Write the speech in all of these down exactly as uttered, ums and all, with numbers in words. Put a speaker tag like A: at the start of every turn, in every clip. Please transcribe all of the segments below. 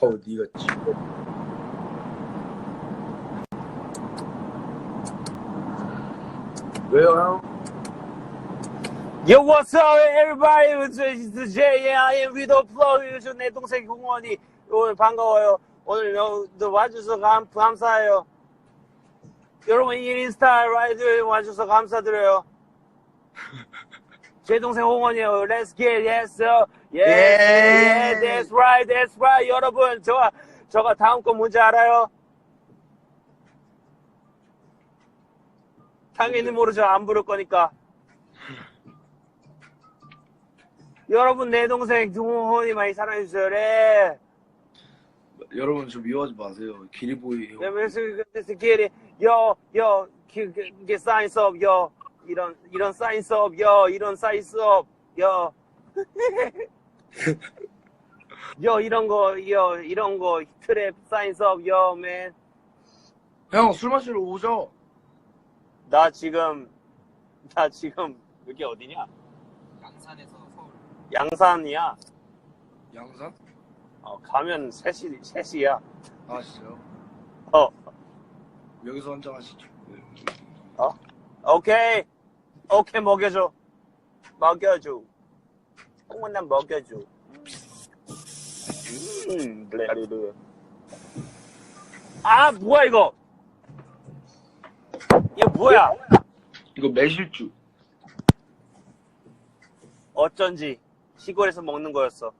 A: 어, 니가 지금. 왜요, 형?
B: Yo, what's up, everybody? It's J, I am with the flow. 요즘 내 동생 공원이 오늘 반가워요. 오늘 너 와주셔서 감, 감사해요. 여러분, 인스타 라이드 와주셔서 감사드려요. 제 동생 홍원이에요. Let's get it, yes, sir. Yes, yeah, that's right, that's right. 여러분, 저가, 저가 다음 거 뭔지 알아요? 당연히 모르죠. 안 부를 거니까. 여러분, 내 동생 홍원이 많이 사랑해주세요. 네.
A: 여러분, 좀 미워하지 마세요. 기리보이 형.
B: Let's get it. Yo, yo, get science up, yo. 이런, 이런 사이언스 업, 여, 이런 사이언스 업, 여. 여, 이런 거, 여, 이런 거, 트랩 사이언스 업, 여, 맨.
A: 형, 술 마시러 오죠?
B: 나 지금, 나 지금, 여기 어디냐?
C: 양산에서 서울.
B: 양산이야.
A: 양산?
B: 어, 가면 세 시, 세 시야.
A: 아, 진짜요?
B: 어,
A: 여기서 한잔 하시죠. 네.
B: 어? 오케이. 오케이, 먹여줘. 먹여줘. 홍원남 먹여줘. 음, 블레르르. 아, 뭐야, 이거? 이거 뭐야?
A: 이거 매실주.
B: 어쩐지 시골에서 먹는 거였어.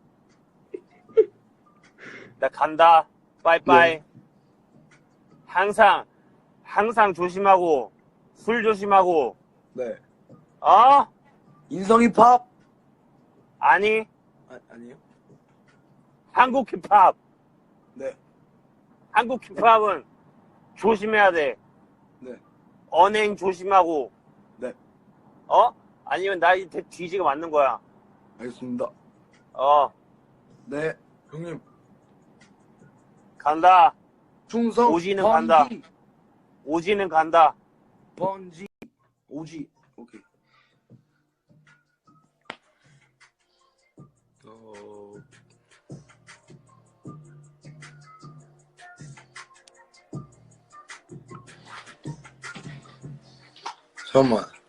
B: 나 간다. 빠이빠이.
A: 네.
B: 항상, 항상 조심하고, 술 조심하고,
A: 네.
B: 어?
A: 인성 힙합?
B: 아니,
A: 아, 아니에요?
B: 한국 힙합.
A: 네.
B: 한국 힙합은 조심해야 돼.
A: 네.
B: 언행 조심하고,
A: 네.
B: 어? 아니면 나 이제 뒤지가 맞는 거야.
A: 알겠습니다.
B: 어,
A: 네. 형님.
B: 간다.
A: 충성.
B: 오지는
A: 번지.
B: 간다. 오지는 간다.
A: 번지. 오지. 오케이. 어... 잠깐만.